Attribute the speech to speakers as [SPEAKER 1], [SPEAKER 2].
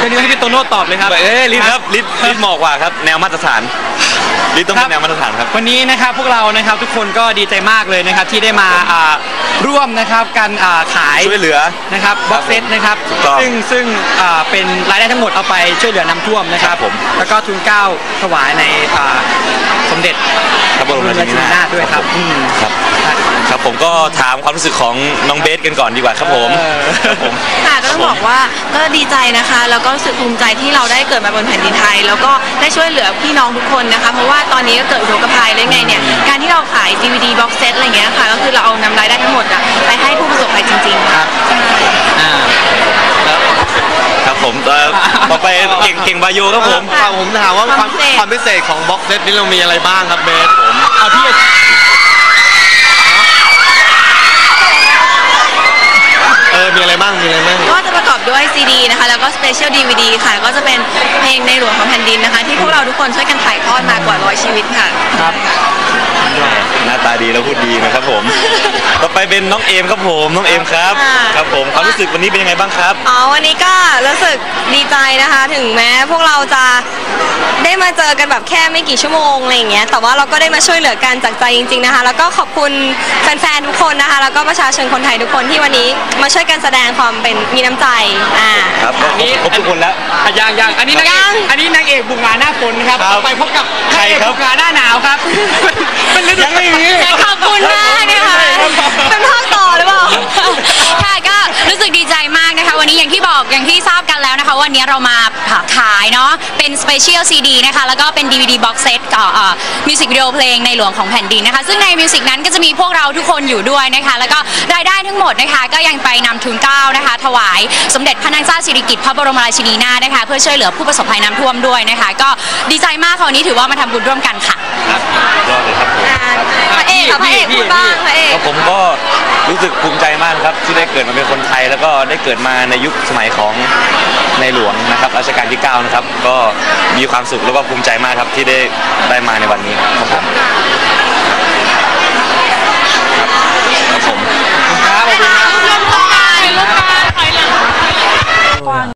[SPEAKER 1] รื่องนี้ให้พี่โตโน่ตอบเลยครับ
[SPEAKER 2] ลิศครับลิศเหมาะกว่าครับแนวมาตรฐานลิศต้องเป็นแนวมาตรฐานครับ
[SPEAKER 1] วันนี้นะครับพวกเรานะครับทุกคนก็ดีใจมากเลยนะครับที่ได้มาร่วมนะครับการขาย
[SPEAKER 2] ช่วยเหลือ
[SPEAKER 1] นะครับบ็อกเซตนะครับซึ่งเป็นรายได้ทั้งหมดเอาไปช่วยเหลือน้ำท่วมนะครับผมแล้วก็ทุนเกล้าถวายในสมเด็จ
[SPEAKER 2] พระบรมราชินีนาถ
[SPEAKER 1] ด้วยครับ
[SPEAKER 2] ครับผมก็ถามความรู้สึกของน้องเบสกันก่อนดีกว่าครับผม
[SPEAKER 3] ค่ะก็ต้องบอกว่าก็ดีใจนะคะแล้วก็รู้สึกภูมิใจที่เราได้เกิดมาบนแผ่นดินไทยแล้วก็ได้ช่วยเหลือพี่น้องทุกคนนะคะเพราะว่าตอนนี้ก็เกิดอุทกภัยเลยไงเนี่ยการที่เราขาย DVD box set อะไรเงี้ยค่ะก็คือเราเอานำรายได้ทั้งหมดไปให้ผู้ประสบภัยจริงๆครับ
[SPEAKER 2] ครับผมต่อไปเก่งบาโยครับผม
[SPEAKER 4] ผมถามว่าความพิเศษของบ็อกเซตนี้เรามีอะไรบ้างครับเบสผม
[SPEAKER 1] เอาพี่
[SPEAKER 4] มีอะไรบ้าง
[SPEAKER 3] ก็จะประกอบด้วย CD นะคะแล้วก็ Special DVD ค่ะก็จะเป็นเพลงในหลวงของแผ่นดินนะคะที่พวกเราทุกคนช่วยกันถ่ายทอดมากว่า100ชีวิตค่ะ
[SPEAKER 1] ครับ
[SPEAKER 2] หน้าตาดีแล้วพูดดีนะครับผมต่อไปเป็นน้องเอมครับผมน้องเอมครับครับผมความรู้สึกวันนี้เป็นยังไงบ้างครับ
[SPEAKER 3] วันนี้ก็รู้สึกดีใจนะคะถึงแม้พวกเราจะได้มาเจอกันแบบแค่ไม่กี่ชั่วโมงอะไรอย่างเงี้ยแต่ว่าเราก็ได้มาช่วยเหลือกันจากใจจริงๆนะคะแล้วก็ขอบคุณแฟนๆทุกคนนะคะแล้วก็ประชาชนคนไทยทุกคนที่วันนี้มาช่วยกันแสดงความเป็นมีน้ำใจ
[SPEAKER 2] ครับนี่ครบทุกคนแล้ว
[SPEAKER 1] ยังอันนี้นางเอกบุกงานหน้าฝนครับไปพบกับใครครับบุกงานหน้าหนาวครับ
[SPEAKER 3] ยังไม่มีขอบคุณมากนะคะเป็นภาคต่อหรือเปล่า
[SPEAKER 5] ค่ะก็รู้สึกดีใจมากนะคะวันนี้อย่างที่ทราบกันแล้วนะคะวันนี้เรามาขายเนาะเป็น Special CD นะคะแล้วก็เป็น DVD Box Set กับมิวสิกวิดีโอเพลงในหลวงของแผ่นดินนะคะซึ่งในมิวสิกนั้นก็จะมีพวกเราทุกคนอยู่ด้วยนะคะแล้วก็รายได้ทั้งหมดนะคะก็ยังไปนำทุนเกล้านะคะถวายสมเด็จพระนางเจ้าสิริกิติ์พระบรมราชินีนาถนะคะเพื่อช่วยเหลือผู้ประสบภัยน้ำท่วมด้วยนะคะก็ดีใจมากค่ะวันนี้ถือว่ามาทำบุญร่วมกันค่ะ
[SPEAKER 2] ยอดเลยครับ
[SPEAKER 3] พระเอกพูดบ้างพระเอก
[SPEAKER 2] ผมก็รู้สึกภูมิใจมากครับที่ได้เกิดมาเป็นคนไทยแล้วก็ได้เกิดมาในยุคสมัยของในหลวงนะครับรัชกาลที่9นะครับก็มีความสุขแล้วก็ภูมิใจมากครับที่ได้มาในวันนี้ครับผม